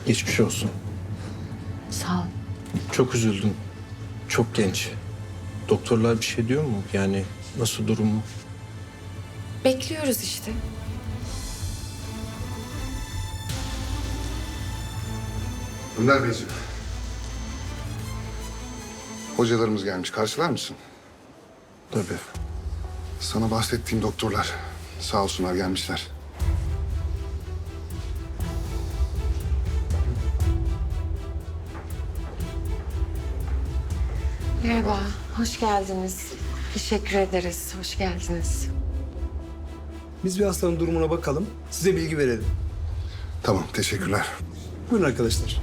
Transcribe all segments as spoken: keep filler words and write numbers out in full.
Geçmiş olsun. Sağ ol. Çok üzüldüm. Çok genç. Doktorlar bir şey diyor mu? Yani nasıl durumu? Bekliyoruz işte. Önder Beyciğim. Hocalarımız gelmiş. Karşılar mısın? Tabii. Sana bahsettiğim doktorlar. Sağ olsunlar gelmişler. Merhaba, hoş geldiniz. Teşekkür ederiz, hoş geldiniz. Biz bir hastanın durumuna bakalım, size bilgi verelim. Tamam, teşekkürler. Buyurun arkadaşlar.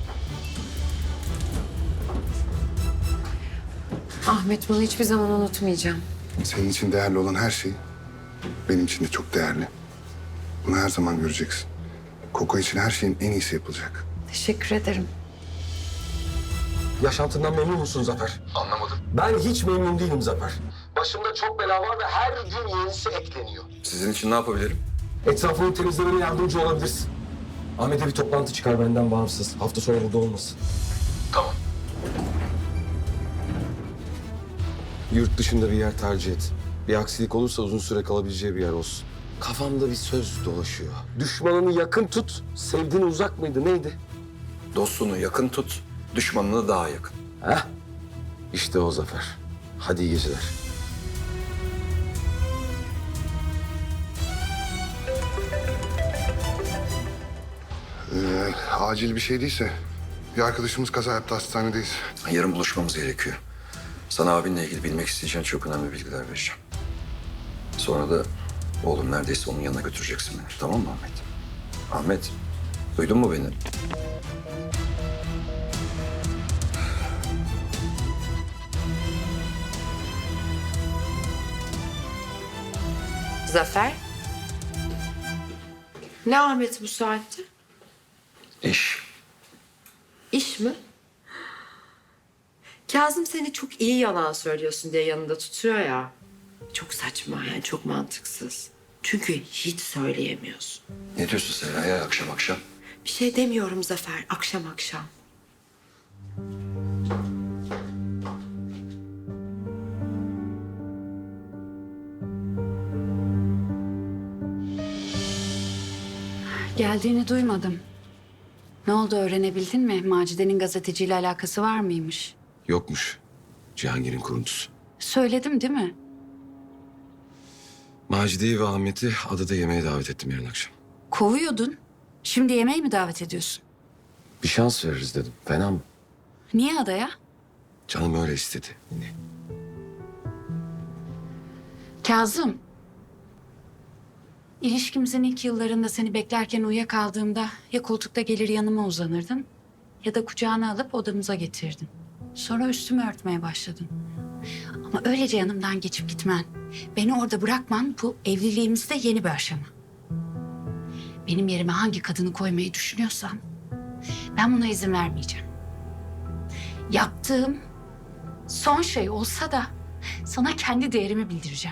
Ahmet, bunu hiçbir zaman unutmayacağım. Senin için değerli olan her şey benim için de çok değerli. Bunu her zaman göreceksin. Koko için her şeyin en iyisi yapılacak. Teşekkür ederim. Yaşantından memnun musun Zafer? Anlamadım. Ben hiç memnun değilim Zafer. Başımda çok bela var ve her gün yenisi ekleniyor. Sizin için ne yapabilirim? Etrafını temizlemene yardımcı olabilirsin. Ahmet'e bir toplantı çıkar benden bağımsız. Hafta sonu burada olmasın. Tamam. Yurt dışında bir yer tercih et. Bir aksilik olursa uzun süre kalabileceği bir yer olsun. Kafamda bir söz dolaşıyor. Düşmanını yakın tut, sevdiğini uzak mıydı neydi? Dostunu yakın tut, düşmanını daha yakın. Heh, işte o Zafer. Hadi iyi geceler. Ee, acil bir şey değilse bir arkadaşımız kaza yaptı, hastanedeyiz. Yarın buluşmamız gerekiyor. Sana abinle ilgili bilmek isteyeceğin çok önemli bilgiler vereceğim. Sonra da oğlum neredeyse onun yanına götüreceksin beni. Tamam mı Ahmet? Ahmet, duydun mu beni? Zafer? Ne Ahmet bu saatte? İş. İş mi? Kazım seni çok iyi yalan söylüyorsun diye yanında tutuyor ya. Çok saçma yani, çok mantıksız. Çünkü hiç söyleyemiyorsun. Ne diyorsun Serra ya akşam akşam? Bir şey demiyorum Zafer, akşam akşam. Geldiğini duymadım. Ne oldu, öğrenebildin mi? Macide'nin gazeteciyle alakası var mıymış? Yokmuş. Cihangir'in kuruntusu. Söyledim değil mi? Macide'yi ve Ahmet'i adada yemeğe davet ettim yarın akşam. Kovuyordun. Şimdi yemeğe mi davet ediyorsun? Bir şans veririz dedim. Fena mı? Niye adaya? Canım öyle istedi. Yine. Kazım. İlişkimizin ilk yıllarında seni beklerken uyuyakaldığımda ya koltukta gelir yanıma uzanırdın ya da kucağına alıp odamıza getirdin. Sonra üstümü örtmeye başladın. Ama öylece yanımdan geçip gitmen, beni orada bırakman bu evliliğimizde yeni bir aşama. Benim yerime hangi kadını koymayı düşünüyorsan ben buna izin vermeyeceğim. Yaptığım son şey olsa da sana kendi değerimi bildireceğim.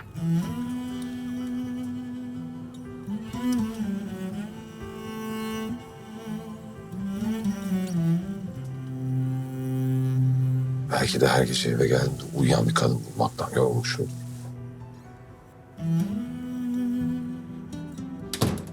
Belki de her gece eve geldiğimde uyuyan bir kadın bulmaktan yorulmuşum.